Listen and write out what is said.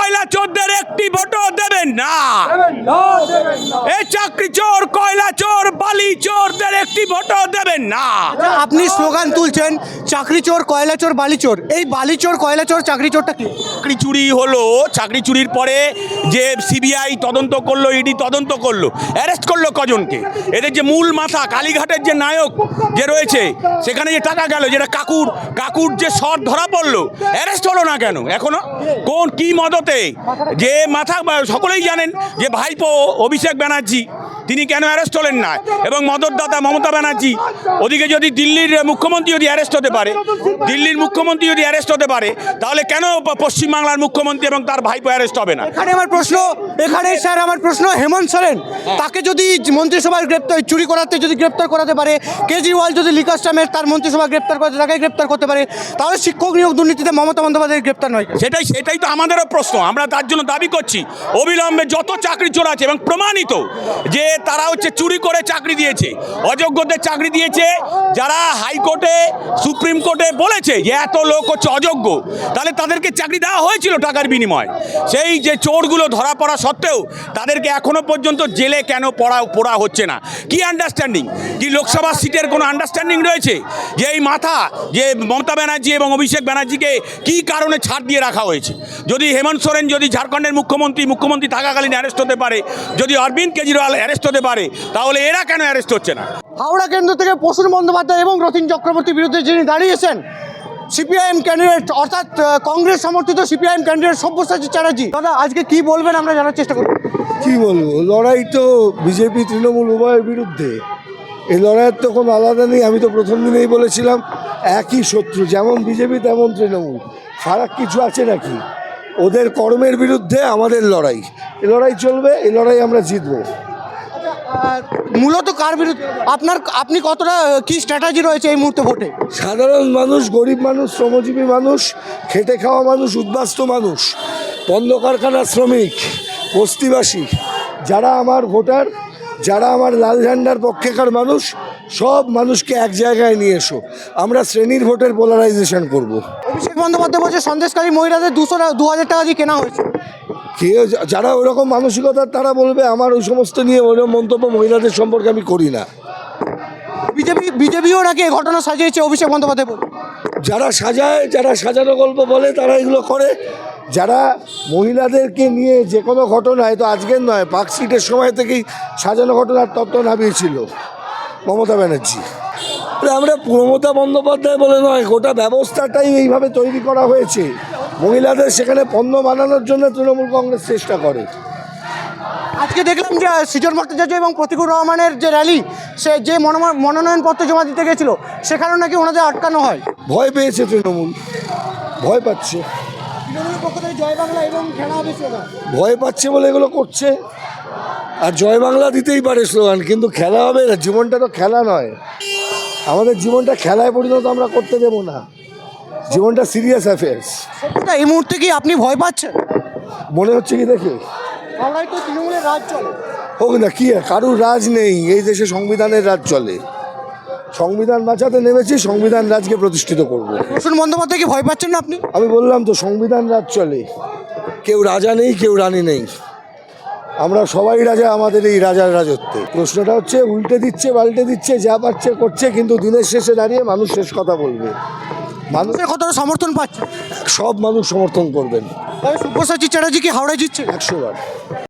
কয়লা চোরদের একটি ভোটও দেবেন না। এই চাকরি চোর, কয়লা চোর, বালি চোরদের একটি ভোটও দেবেন না। আপনি স্লোগান তুলছেন চাকরি চোর, কয়লা চোর, বালি চোর। এই বালি চোর, কয়লা চোর, চাকরি চোরটা কি? চাকরি চুরি হলো, চাকরি চুরির পরে যে সিবিআই তদন্ত করলো, ইডি তদন্ত করলো, অ্যারেস্ট করলো কজনকে? এদের যে মূল মাথা, কালীঘাটের যে নায়ক যে রয়েছে, সেখানে যে টাকা গেল, যেটা কাকুর যে শট ধরা পড়লো, অ্যারেস্ট হলো না কেন এখনো? কোন কি মদতে? যে মাথা সকলেই জানেন যে ভাইপো অভিষেক ব্যানার্জি, তিনি কেন অ্যারেস্ট হলেন না? এবং মদতদাতা মমতা ব্যানার্জি, ওদিকে যদি দিল্লির মুখ্যমন্ত্রী যদি অ্যারেস্ট হতে পারে, দিল্লির মুখ্যমন্ত্রী যদি অ্যারেস্ট হতে পারে, তাহলে কেন পশ্চিমবাংলার মুখ্যমন্ত্রী এবং তার ভাইপো অ্যারেস্ট হবে না? এখানে স্যার আমার প্রশ্ন, হেমন্ত সোরেন তাকে যদি মন্ত্রিসভার চুরি করাতে যদি গ্রেপ্তার করাতে পারে, কেজরিওয়াল যদি লিকার স্ট্যামের তার মন্ত্রিসভা গ্রেপ্তার করতে, তাকে গ্রেপ্তার করতে পারে, তাহলে শিক্ষক নিয়োগ দুর্নীতিতে মমতা বন্দ্যোপাধ্যায় গ্রেপ্তার নয়? সেটাই তো আমাদেরও প্রশ্ন। আমরা তার জন্য দাবি করছি অবিলম্বে যত চাকরি চোর আছে এবং প্রমাণিত যে তারা হচ্ছে চুরি করে চাকরি দিয়েছে, অযোগ্যদের চাকরি দিয়েছে, যারা হাইকোর্টে সুপ্রিম কোর্টে বলেছে যে এত লোক হচ্ছে অযোগ্য, তাহলে তাদেরকে চাকরি দেওয়া হয়েছিল টাকার বিনিময়ে। সেই যে চোরগুলো ধরা পড়া সত্ত্বেও তাদেরকে এখনো পর্যন্ত জেলে কেন পড়া হচ্ছে না? কি আন্ডারস্ট্যান্ডিং? কি লোকসভা সিটের কোনো আন্ডারস্ট্যান্ডিং রয়েছে? যে এই মাথা যে মমতা ব্যানার্জি এবং অভিষেক ব্যানার্জিকে কি কারণে ছাড় দিয়ে রাখা হয়েছে? যদি হেমন্ত সোরেন যদি ঝাড়খণ্ডের মুখ্যমন্ত্রী থাকাকালীন অ্যারেস্ট হতে পারে, যদি অরবিন্দ কেজরিওয়াল অ্যারেস্ট হতে পারে, তাহলে এরা কেন অ্যারেস্ট হচ্ছে না? হাওড়া কেন্দ্র থেকে প্রসূন বন্দ্যোপাধ্যায় এবং রতিন চক্রবর্তীর বিরুদ্ধে যিনি দাঁড়িয়েছেন, সিপিআইএম ক্যান্ডিডেট অর্থাৎ কংগ্রেস সমর্থিত সিপিআইএম ক্যান্ডিডেট সব্যসাচী চ্যাটার্জি, দাদা আজকে কি বলবেন আমরা জানার চেষ্টা করব। কি বলবো, লড়াই তো বিজেপি তৃণমূল উভয়ের বিরুদ্ধে। এই লড়াইয়ের তো কোনো আলাদা নেই। আমি তো প্রথম দিনেই বলেছিলাম একই শত্রু, যেমন বিজেপি তেমন তৃণমূল। ফারাক কিছু আছে নাকি? ওদের কর্মের বিরুদ্ধে আমাদের লড়াই, এই লড়াই চলবে, এই লড়াই আমরা জিতবো। মূলত কার বিরুদ্ধে আপনি কতটা কি স্ট্র্যাটেজি রয়েছে এই মুহূর্তে ভোটে? সাধারণ মানুষ, গরিব মানুষ, শ্রমজীবী মানুষ, খেটে খাওয়া মানুষ, উদ্বাস্ত মানুষ, পণ্য কারখানার শ্রমিক, বস্তিবাসী, যারা আমার ভোটার, যারা আমার লাল ঝান্ডার পক্ষেকার মানুষ, সব মানুষকে এক জায়গায় নিয়ে এসো। আমরা শ্রেণীর ভোটের পোলারাইজেশন করব। অভিষেক বন্দ্যোপাধ্যায় বলছে সন্দেশকারী মহিলাদের 2,000 টাকা দিয়ে কেনা হয়েছে। কেউ যারা ওরকম মানসিকতার তারা বলবে, আমার ওই সমস্ত নিয়ে ওরকম মন্তব্য মহিলাদের সম্পর্কে আমি করি না। বিজেপিও নাকি এই ঘটনা সাজিয়েছে অভিষেক বন্দ্যোপাধ্যায় বলে। যারা সাজায়, যারা সাজানো গল্প বলে, তারা এগুলো করে। যারা মহিলাদেরকে নিয়ে যে কোনো ঘটনায়, তো আজকের নয়, পার্কস্ট্রিটের সময় থেকেই সাজানো ঘটনার তত্ত্ব নামিয়েছিল মমতা ব্যানার্জি। আমরা মমতা বন্দ্যোপাধ্যায় বলে নয়, গোটা ব্যবস্থাটাই এইভাবে তৈরি করা হয়েছে। মহিলাদের সেখানে পণ্য বানানোর জন্য তৃণমূল কংগ্রেস চেষ্টা করে। আজকে দেখলাম যে সৃজন ভট্টাচার্য এবং প্রতিকুর রহমানের যে র্যালি, সে যে মনোনয়নপত্র জমা দিতে গেছিল, সেখানেও নাকি ওনাদের আটকানো হয়। ভয় পেয়েছে তৃণমূল, ভয় পাচ্ছে, তৃণমূলের পক্ষ থেকে জয় বাংলা এবং খেলা হবে স্লোগান। ভয় পাচ্ছে বলে এগুলো করছে। আর জয় বাংলা দিতেই পারে স্লোগান, কিন্তু খেলা হবে না। জীবনটা তো খেলা নয়, আমাদের জীবনটা খেলায় পরিণত আমরা করতে দেব না। জীবনটা সিরিয়াস অ্যাফেয়ার্স। এই মুহূর্তে কি আপনি ভয় পাচ্ছেন? মনে হচ্ছে কি দেখে? বাংলায় তো তৃণমূলের রাজ চলে। হোক না, কি কারুর রাজ নেই এই দেশে, সংবিধানের রাজ চলে। সংবিধান বাঁচাতে নেমেছি, সংবিধান রাজকে প্রতিষ্ঠিত করব। প্রসূন বন্দ্যোপাধ্যায় কি ভয় পাচ্ছেন না আপনি? আমি বললাম তো, সংবিধান রাজ চলে, কেউ রাজা নেই, কেউ রানী নেই, আমরা সবাই রাজা আমাদের এই রাজার রাজত্বে। প্রশ্নটা হচ্ছে উল্টে দিচ্ছে, পাল্টে দিচ্ছে, যা পাচ্ছে করছে, কিন্তু দিনের শেষে দাঁড়িয়ে মানুষ শেষ কথা বলবে। মানুষের কতটা সমর্থন পাচ্ছে? সব মানুষ সমর্থন করবেন। সব্যসাচী চ্যাটার্জি কি হাওড়ায় জিতছে? 100 বার।